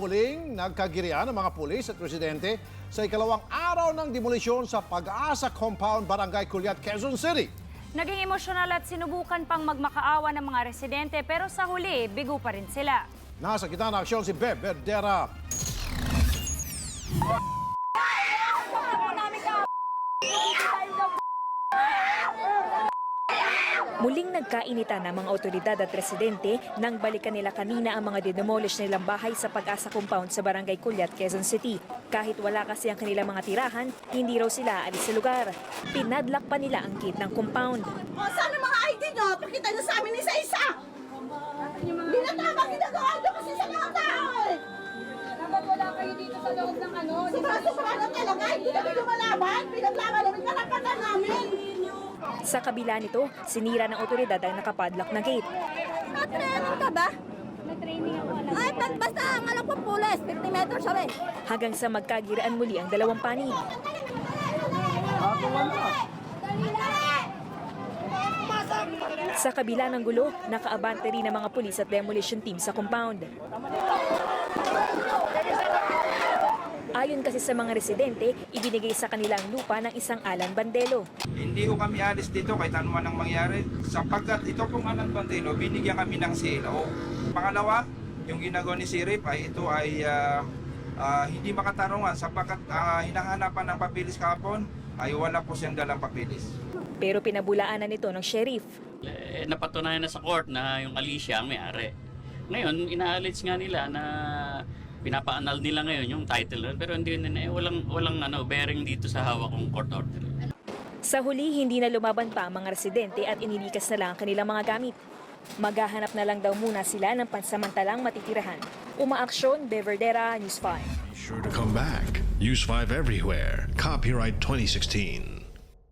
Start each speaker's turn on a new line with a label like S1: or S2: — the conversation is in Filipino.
S1: muling nagkagirian ng mga pulis at residente sa ikalawang araw ng demolisyon sa Pag-asa Compound, Barangay Culiat, Quezon City.
S2: Naging emosyonal at sinubukan pang magmakaawa ng mga residente pero sa huli, bigo pa rin sila.
S1: Nasa gitna ng aksyon si Beb Verdera.
S3: Muling nagkainitan ng mga otoridad at residente nang balikan nila kanina ang mga dinemolish nilang bahay sa Pag-asa Compound sa Barangay Culiat, Quezon City. Kahit wala kasi ang kanilang mga tirahan, hindi raw sila alis sa lugar. Pinadlock pa nila ang gate ng compound.
S4: O, saan ang mga ID nyo? Pakita nyo sa amin isa-isa. Hindi na tama ginagawa nyo kasi sa mga tao eh.
S5: Dapat wala kayo dito sa loob ng ano.
S4: Sobra na talaga, hindi namin lumalaban. Pinaglaban namin karapatan namin.
S3: Sa kabila nito, sinira ng otoridad ang nakapadlock na gate.
S5: Training ka ba? May training ako. Ay, basta ang alam ko pulis, 50 meters away.
S3: Hanggang sa magkagiraan muli ang dalawang panig. Sa kabila ng gulo, nakaabante rin ang mga pulis at demolition team sa compound. Ayon kasi sa mga residente, ibinigay sa kanila ang lupa ng isang Alan Bandelo.
S6: Hindi ko kami alis dito kahit ano man ang mangyari sapagkat ito pong Alan Bandelo, binigyan kami ng CLO. Pangalawa, yung ginagawa ni Sirip ay ito ay hindi makatarungan sapagkat hinahanapan ng papilis kahapon ay wala po siyang dalang papilis.
S3: Pero pinabulaanan nito ng sheriff.
S7: Napatunayan na sa court na yung Alicia ang may-ari. Ngayon, inaalits nga nila na pinapaanal nila ngayon yung title pero hindi na walang bearing dito sa hawak kong court order.
S3: Sa huli, hindi na lumaban pa ang mga residente at inilikas na lang ang kanilang mga gamit. Maghahanap na lang daw muna sila ng pansamantalang matitirahan. Umaaksyon, Beb Verdera, News 5.
S8: Be sure to come back. Use 5 everywhere. Copyright 2016.